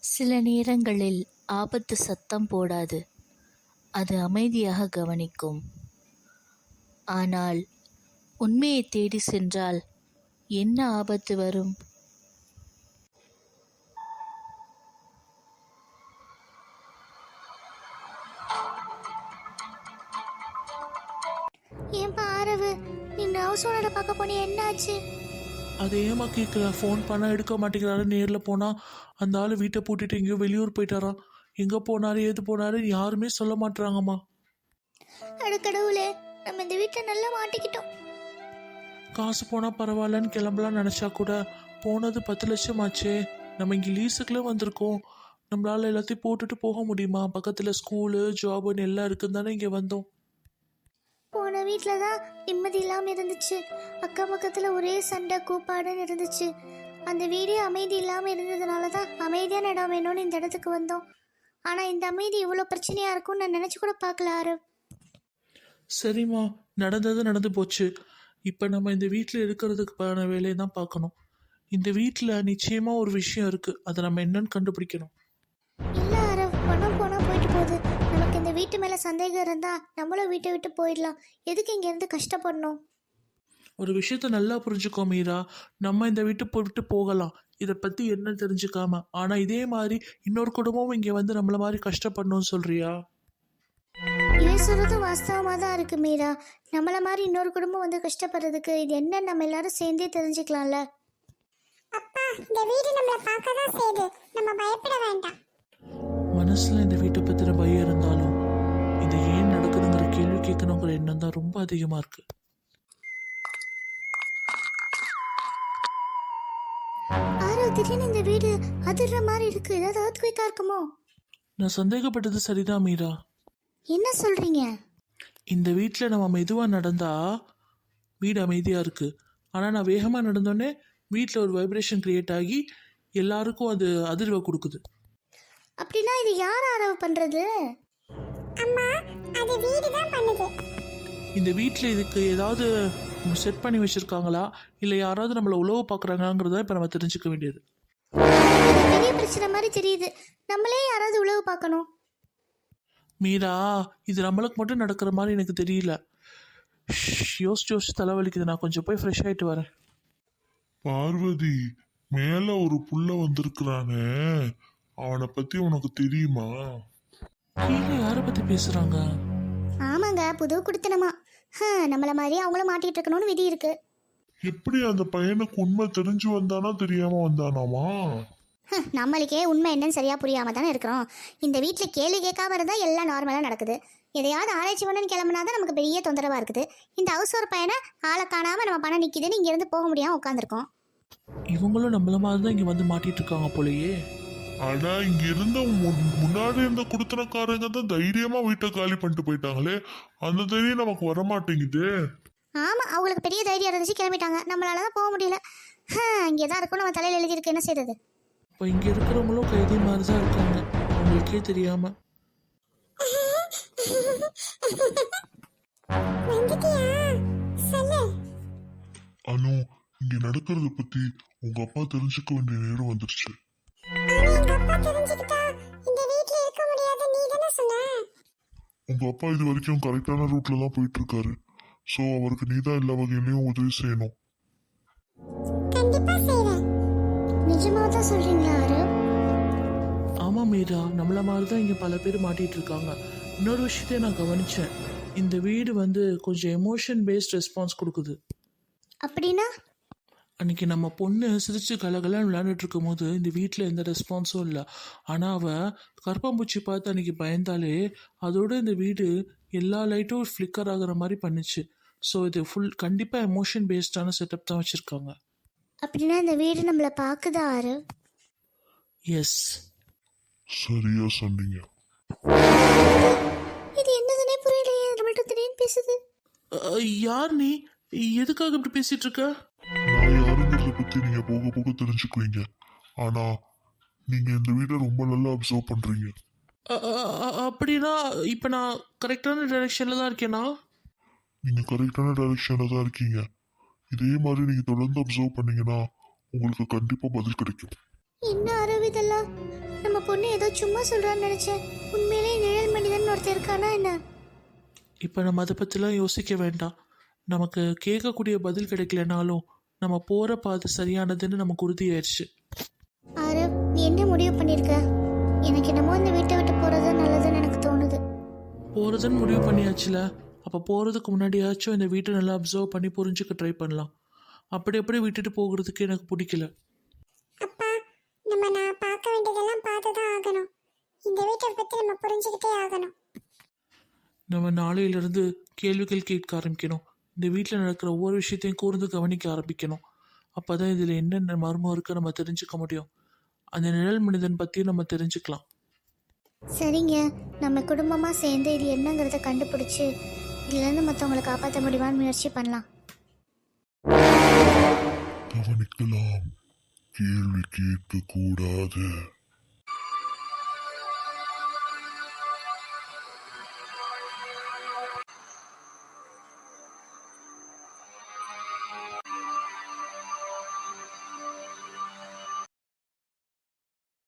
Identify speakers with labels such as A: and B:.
A: சில நேரங்களில் ஆபத்து சத்தம் போடாது, அது அமைதியாக கவனிக்கும். ஆனால் உண்மையை தேடி சென்றால் என்ன ஆபத்து வரும்?
B: ஏன்பா ஆரவு, நீ ஹவுஸ் ஓனரை பார்க்க போனியா, என்னாச்சு?
C: அதை ஏமா கேட்குற? ஃபோன் பண்ண எடுக்க மாட்டேங்கிறாரு. நேரில் போனால் அந்த ஆள் வீட்டை பூட்டிட்டு எங்கேயோ வெளியூர் போயிட்டாராம். எங்கே போனாரு ஏது போனாரு யாருமே சொல்ல மாட்டுறாங்கம்மா.
B: கடவுளே, நம்ம இந்த வீட்டில் நல்லா மாட்டிக்கிட்டோம்.
C: காசு போனால் பரவாயில்லன்னு கிளம்பலாம் நினச்சா கூட போனது 10 லட்சம் ஆச்சே. நம்ம இங்கே லீஸுக்குள்ளே வந்திருக்கோம். நம்மளால் எல்லாத்தையும் போட்டுட்டு போக முடியுமா? பக்கத்தில் ஸ்கூலு ஜாபுன்னு எல்லாம் இருக்குன்னு தானே இங்கே வந்தோம்.
B: போன வீட்டில் தான் நிம்மதி இல்லாமல் இருந்துச்சு. அக்கம் பக்கத்தில் ஒரே சண்டை கூப்பாடுன்னு இருந்துச்சு. அந்த வீடே அமைதி இல்லாமல் இருந்ததுனால தான் அமைதியான இடம் வேணும்னு இந்த இடத்துக்கு வந்தோம். ஆனால் இந்த அமைதி இவ்வளோ பிரச்சனையாக இருக்கும்னு நான் நினச்சி கூட பார்க்கல ஆரவ்.
C: சரிம்மா, நடந்தது நடந்து போச்சு. இப்போ நம்ம இந்த வீட்டில் இருக்கிறதுக்கான வேலையை தான் பார்க்கணும். இந்த வீட்டில் நிச்சயமாக ஒரு விஷயம் இருக்குது. அதை நம்ம என்னன்னு கண்டுபிடிக்கணும்.
B: இல்லை ஆரவ், பணம் போனால் போயிட்டு போகுது. நமக்கு இந்த வீட்டு மேலே சந்தேகம் இருந்தால் நம்மளும் வீட்டை விட்டு போயிடலாம். எதுக்கு இங்கேருந்து கஷ்டப்படணும்?
C: ஒரு விஷயத்த நல்லா புரிஞ்சுக்கோ மீரா. நம்ம இந்த வீட்டு விட்டு போகலாம், இதை பற்றி என்ன தெரிஞ்சுக்காம. ஆனால் இதே மாதிரி இன்னொரு குடும்பமும் இங்கே வந்து நம்மள மாதிரி கஷ்டப்படணும்னு சொல்றியா?
B: சொல்றதும் வாஸ்தவமாக தான் இருக்கு மீரா. நம்மள மாதிரி இன்னொரு குடும்பம் வந்து கஷ்டப்படுறதுக்கு இது என்ன, நம்ம எல்லாரும் சேர்ந்தே தெரிஞ்சுக்கலாம்ல.
D: அப்பா, இந்த வீடு நம்மள பார்க்க தான் செய்யுது, நம்ம பயப்பட வேண்டாம்.
C: மனசுல இந்த வீட்டை பத்தின பயம் இருந்தாலும் இது ஏன் நடக்குதுங்கிற கேள்வி கேட்கணுங்கிற எண்ணம் தான் ரொம்ப அதிகமா இருக்கு.
B: ஆரோ, திடீர்னு இந்த வீடு அதிர்ற மாதிரி இருக்கு. ஏதாவது earthquake-ஆ இருக்குமோ?
C: நான் சந்தேகப்பட்டது சரிதான் மீரா.
B: என்ன சொல்றீங்க?
C: இந்த வீட்டில் நம்ம மெதுவாக நடந்தா வீடு அமைதியாக இருக்கு. ஆனால் நான் வேகமாக நடந்தோடனே வீட்டில் ஒரு வைப்ரேஷன் கிரியேட் ஆகி எல்லாருக்கும் அது அதிர்வை கொடுக்குது.
B: அப்படின்னா இது யார் ஆரவு பண்றது?
D: அம்மா, அது வீடு தான் பண்ணுது.
C: இந்த வீட்டில் இதுக்கு ஏதாவது செட் பண்ணி வச்சிருக்காங்களா, இல்லை யாராவது நம்மளை உழவு பார்க்குறாங்கிறத இப்போ நம்ம தெரிஞ்சுக்க வேண்டியது.
B: இது பெரிய பிரச்சனை மாதிரி தெரியுது. நம்மளே யாராவது உழவு பார்க்கணும்.
C: மீரா, இது நம்மளுக்கு மட்டும் நடக்கிற மாதிரி எனக்கு தெரியல. யோசிச்சு யோசிச்சு தலைவலிக்குது. நான் கொஞ்சம் போய் ஃப்ரெஷ் ஆகிட்டு வரேன்.
E: பார்வதி, மேல ஒரு புள்ள வந்திருக்கிறானே, அவனை பத்தி உனக்கு தெரியுமா?
C: கீழே யாரை பற்றி பேசுகிறாங்க?
B: ஆமாங்க, புது குடுத்தனமா. நம்மள மாதிரி அவங்களும் மாட்டிட்டு இருக்கணும்னு விதி இருக்கு.
E: எப்படி அந்த பையனுக்கு உண்மை தெரிஞ்சு வந்தானா தெரியாம வந்தானாமா?
B: நம்மளுக்கே உண்மை என்னன்னு சரியா புரியாம தானே இருக்கிறோம். இந்த வீட்டில் கேள்வி கேட்காம இருந்தா எல்லாம் நார்மலாக நடக்குது. எதையாவது ஆராய்ச்சி பண்ணணும்னு கிளம்புனாதான் நமக்கு பெரிய தொந்தரவா இருக்குது. இந்த ஹவுஸ் ஒரு பையனை ஆளை காணாம நம்ம பணம் நிற்கிதுன்னு இங்கேருந்து போக முடியாம உட்காந்துருக்கோம்.
C: இவங்களும் நம்மள மாதிரி தான் இங்கே வந்து மாட்டிட்டு இருக்காங்க போலயே.
E: ஆனா இங்க இருந்த முன்னாடி இருந்த குடுத்தனக்காரங்க தான் தைரியமா வீட்டை காலி பண்ணிட்டு போயிட்டாங்களே, அந்த தைரியம் நமக்கு வரமாட்டேங்குது.
B: ஆமா, அவங்களுக்கு பெரிய தைரியம் இருந்துச்சு, கிளம்பிட்டாங்க. நம்மளால தான் போக முடியல. இங்கே தான் இருக்கும், நம்ம தலையில் எழுதியிருக்கு, என்ன செய்யறது?
C: இப்போ இங்கே இருக்கிறவங்களும் கைதி மாதிரி தான் இருக்காங்க, அவங்களுக்கே தெரியாம.
E: அனு, இங்க நடக்கிறத பத்தி உங்க அப்பா தெரிஞ்சுக்க வேண்டிய நேரம் வந்துருச்சு. உங்க அப்பா இது வரைக்கும் கரெக்டான ரூட்ல தான் போயிட்டு இருக்காரு. சோ அவருக்கு நீதான் எல்லா வகையிலயும் உதவி செய்யணும்.
B: நிஜமா தான் சொல்றீங்களா ஆரவ்?
C: ஆமா மீரா, நம்மள மாதிரி தான் இங்கே பல பேர் மாட்டிட்டு இருக்காங்க. இன்னொரு விஷயத்தையும் நான் கவனிச்சேன். இந்த வீடு வந்து கொஞ்சம் எமோஷன் பேஸ்ட் ரெஸ்பான்ஸ் கொடுக்குது.
B: அப்படின்னா?
C: அன்னைக்கு நம்ம பொண்ணு சிரிச்சு கலகலன்னு விளையாண்டுட்டு இருக்கும் போது இந்த வீட்டில் எந்த ரெஸ்பான்ஸும் இல்லை. ஆனால் அவள் கருப்பாம்பூச்சி பார்த்து அன்னைக்கு பயந்தாலே அதோட இந்த வீடு எல்லா லைட்டும் ஃப்ளிக்கர் ஆகிற மாதிரி பண்ணுச்சு. ஸோ இது கண்டிப்பாக எமோஷன் பேஸ்டான செட்டப் தான் வச்சுருக்காங்க.
B: அப்படின்னா இந்த வீடு நம்மளை பார்க்குதா ஆரவ்?
C: எஸ்,
E: சரியா சொன்னீங்க.
B: இது என்னதுன்னே புரியலையே, நம்மள்ட்ட திடீர்னு பேசுது.
C: யார் நீ? எதுக்காக இப்படி பேசிட்டு இருக்க?
E: நான் யாருங்கிறத பத்தி நீங்க போக போக தெரிஞ்சுக்குவீங்க. ஆனா நீங்க இந்த வீட்டை ரொம்ப நல்லா அப்சர்வ் பண்றீங்க.
C: அப்படின்னா இப்போ நான் கரெக்டான டைரக்ஷனில் தான் இருக்கேனா?
E: நீங்க கரெக்டான டைரக்ஷன்ல தான் இருக்கீங்க. இதே மாதிரி நீங்க தொடர்ந்து அப்சர்வ் பண்ணீங்கன்னா உங்களுக்கு கண்டிப்பா பதில் கிடைக்கும்.
B: என்ன ஆரவ் இதெல்லாம்? நம்ம பொண்ணு ஏதோ சும்மா சொல்றான்னு நினைச்சேன். உண்மையிலேயே நிழல் மனிதன் ஒருத்தர் இருக்கானா என்ன?
C: இப்போ நம்ம அதை பற்றிலாம் யோசிக்க வேண்டாம். நமக்கு கேட்கக்கூடிய பதில் கிடைக்கலனாலும் நம்ம போகிற பாதை சரியானதுன்னு நமக்கு உறுதியாயிருச்சு.
B: ஆரவ், நீ என்ன முடிவு பண்ணியிருக்க? எனக்கு என்னமோ இந்த வீட்டை விட்டு போறது நல்லதுன்னு எனக்கு தோணுது.
C: போகிறதுன்னு முடிவு பண்ணியாச்சுல, அப்போ போகிறதுக்கு முன்னாடியாச்சும் இந்த வீட்டை நல்லா அப்சர்வ் பண்ணி புரிஞ்சுக்க ட்ரை பண்ணலாம். அப்படி விட்டுட்டு போகிறதுக்கு எனக்கு பிடிக்கல.
D: அப்பா, நான் பார்க்க வேண்டியதெல்லாம் பார்த்து தான் ஆகணும். இந்த வீட்டை பத்தி நம்ம புரிஞ்சுக்கிட்டே ஆகணும்.
C: நம்ம நாளையிலிருந்து கேள்விகள் கேட்க ஆரம்பிக்கணும். இந்த வீட்டில் நடக்கிற ஒவ்வொரு விஷயத்தையும் கூர்ந்து கவனிக்க ஆரம்பிக்கணும். அப்போ தான் இதில் என்னென்ன மர்மம் இருக்கு நம்ம தெரிஞ்சுக்க முடியும். அந்த நிழல் மனிதன் பற்றியும் நம்ம தெரிஞ்சுக்கலாம்.
B: சரிங்க, நம்ம குடும்பமாக சேர்ந்து இது என்னங்கிறத கண்டுபிடிச்சி இதுலேருந்து மற்றவங்களை காப்பாற்ற முடியுமான்னு முயற்சி பண்ணலாம்.
E: கவனிக்கலாம், கேள்வி கேட்க கூடாது.